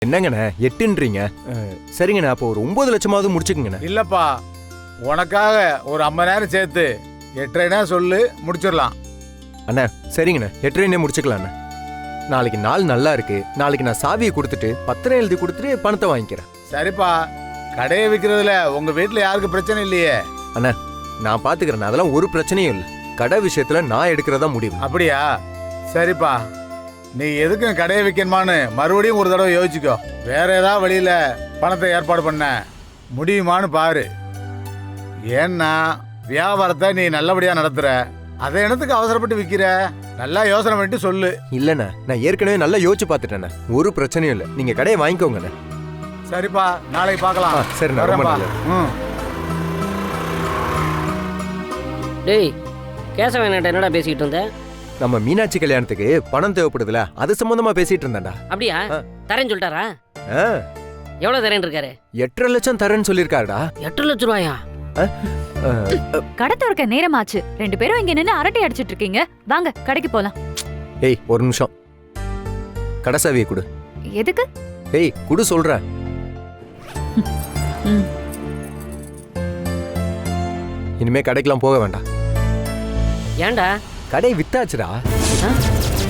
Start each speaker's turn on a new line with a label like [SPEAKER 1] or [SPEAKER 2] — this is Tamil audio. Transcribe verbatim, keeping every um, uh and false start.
[SPEAKER 1] என்னங்கண்ணே எட்டுன்றீங்க? அஹ், சரிங்கண்ணே, அப்போ ஒரு ஒன்பது லட்சமாவது முடிச்சுக்குங்கண்ணே.
[SPEAKER 2] இல்லப்பா, உனக்காக ஒரு ஐம்பதாயிரம் சேர்த்து எட்டரைனா சொல்லு, முடிச்சிடலாம்.
[SPEAKER 1] அண்ணா சரிங்கண்ணே, எட்டரைனே முடிச்சுக்கலாண்ணே. நாளைக்கு நாள் நல்லா இருக்கு. நாளைக்கு நான் சாவியை கொடுத்துட்டு பத்திரம் எழுதி கொடுத்துட்டு பணத்தை வாங்கிக்கிறேன்.
[SPEAKER 2] சரிப்பா, கடையை விற்கிறதுல உங்க வீட்டில் யாருக்கு பிரச்சனை இல்லையே?
[SPEAKER 1] அண்ணா நான் பாத்துக்கிறேன், அதெல்லாம் ஒரு பிரச்சனையும் இல்லை. கடை விஷயத்துல நான் எடுக்கிறதா முடிவு.
[SPEAKER 2] அப்படியா? சரிப்பா, நீ எதுக்கும் கடையை விற்கணுமான்னு மறுபடியும் ஒரு தடவை யோசிச்சுக்கோ. வேற ஏதாவது வழியில பணத்தை ஏற்பாடு பண்ண முடியுமான்னு பாரு. ஏன்னா வியாபாரத்தை நீ நல்லபடியா நடத்துற, அதை இடத்துக்கு அவசரப்பட்டு விற்கிற. நல்லா யோசனை பண்ணிட்டு சொல்லு.
[SPEAKER 1] இல்லண்ணா, நான் ஏற்கனவே நல்லா யோசிச்சு பார்த்துட்டேண்ணே, ஒரு பிரச்சனையும் இல்லை. நீங்க கடையை வாங்கிக்கோங்கண்ணே.
[SPEAKER 2] சரிப்பா, நாளைக்கு பார்க்கலாம்.
[SPEAKER 1] ஆ, சரிண்ணா, ரொம்ப
[SPEAKER 2] வரேன்ப்பா.
[SPEAKER 1] நல்லது.
[SPEAKER 2] ம்.
[SPEAKER 3] டேய், கேசவன் என்னடா பேசிக்கிட்டு இருந்த?
[SPEAKER 1] நம்ம மீனாட்சி கல்யாணத்துக்கு பணம் தேவைப்படுதுல, அது சம்பந்தமா பேசிட்டு இருந்தேன்டா.
[SPEAKER 3] அப்படியா?
[SPEAKER 1] ஆ.
[SPEAKER 3] தரேன்னு சொல்லிட்டாரா?
[SPEAKER 1] ஆ,
[SPEAKER 3] எவ்வளவு தரேன் இருக்காரு?
[SPEAKER 1] எட்டரை லட்சம் தரேன்னு சொல்லியிருக்காருடா.
[SPEAKER 3] எட்டு லட்ச ரூபாயா?
[SPEAKER 4] கடை திறக்க நேரமாச்சு. ரெண்டு பேரும் இங்க நின்னு அரட்டை அடிச்சிட்டு இருக்கீங்க. வாங்க கடைக்கு போலாம்.
[SPEAKER 1] ஏய் ஒரு நிமிஷம், கடைசாவியை கொடு.
[SPEAKER 4] எதுக்கு?
[SPEAKER 1] ஏய் குடு சொல்றேன்.
[SPEAKER 4] ம்.
[SPEAKER 1] இனிமே கடைக்கெல்லாம் போக வேண்டாம்.
[SPEAKER 3] ஏன்டா?
[SPEAKER 1] கடை வித்தாச்சுடா.
[SPEAKER 3] ஆ?